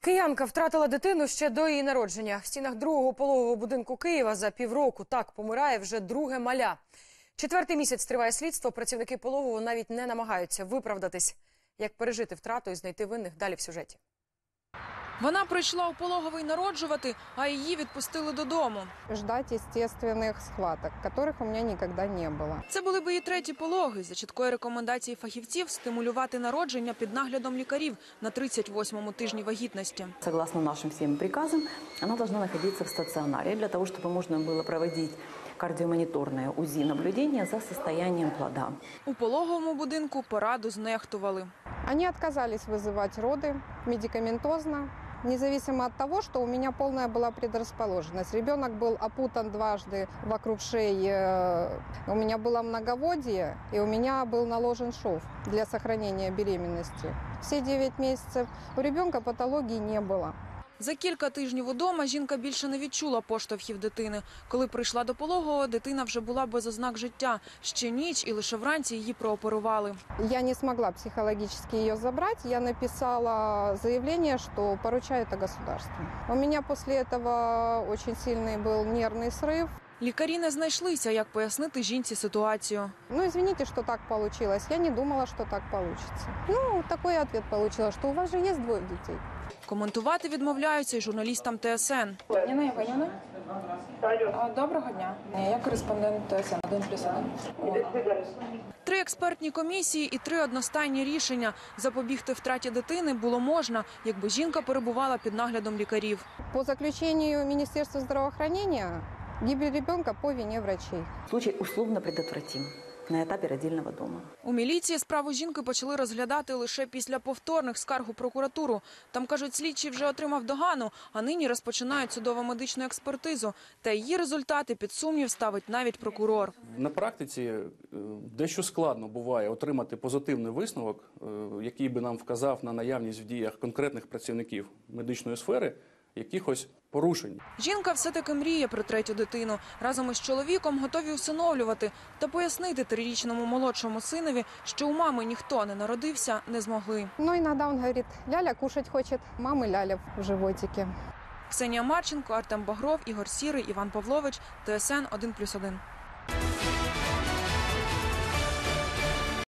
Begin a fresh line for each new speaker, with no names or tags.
Киянка втратила дитину ще до її народження. В стінах другого пологового будинку Києва за півроку так помирає вже друге маля. 4-й місяць триває слідство. Працівники пологового навіть не намагаються виправдатись. Як пережити втрату і знайти винних – далі в сюжеті.
Вона прийшла у пологовий народжувати, а її відпустили додому.
Ждать естественных схваток, которых у меня никогда не было.
Це були б її треті пологи. За чіткої рекомендації фахівців стимулювати народження під наглядом лікарів на 38-му тижні вагітності.
Согласно нашим всем приказам, она должна находиться в стационаре для того, чтобы можно было проводить кардиомониторное УЗИ наблюдение за состоянием плода.
У пологовому будинку пораду знехтували.
Они отказались вызывать роды медикаментозно, независимо от того, что у меня полная была предрасположенность. Ребенок был опутан дважды вокруг шеи, у меня было многоводие, и у меня был наложен шов для сохранения беременности. Все 9 месяцев у ребенка патологии не было.
За кілька тижнів удома жінка більше не відчула поштовхів дитини. Коли прийшла до пологового, дитина вже була без ознак життя. Ще ніч і лише вранці її прооперували.
Я не смогла психологически ее забрать. Я написала заявление, что поручаю это государству. У меня после этого очень сильный был нервный срыв.
Лікарі не знайшлися, як пояснити жінці ситуацію.
Ну, извините, что так получилось. Я не думала, что так получится. Ну, такой ответ получила, что у вас же есть 2 детей.
Коментувати відмовляються й журналістам ТСН.
Ніна Євгенівна? Доброго дня. Я кореспондент ТСН 1+1.
3 експертні комісії і 3 одностайні рішення. Запобігти втраті дитини було можна, якби жінка перебувала під наглядом лікарів.
По заключению Министерства здравоохранения, гибель ребенка по вине врачей.
Случай условно предотвратим на этапе родильного дома.
У міліції справу жінки почали розглядати лише після повторних скарг у прокуратуру. Там, кажуть, слідчий вже отримав догану, а нині розпочинають судово-медичну експертизу. Та її результати під сумнів ставить навіть прокурор.
На практиці дещо складно буває отримати позитивний висновок, який би нам вказав на наявність в діях конкретних працівників медичної сфери якихось порушень.
Жінка все-таки мріє про 3-ю дитину. Разом із чоловіком готові усиновлювати. Та пояснити 3-річному молодшому синові, що у мами ніхто не народився, не змогли.
Но иногда он говорит, Ляля кушать хочет, мамы Ляля в животике.
Ксенія Марченко, Артем Багров, Ігор Сірий, Іван Павлович, ТСН 1+1.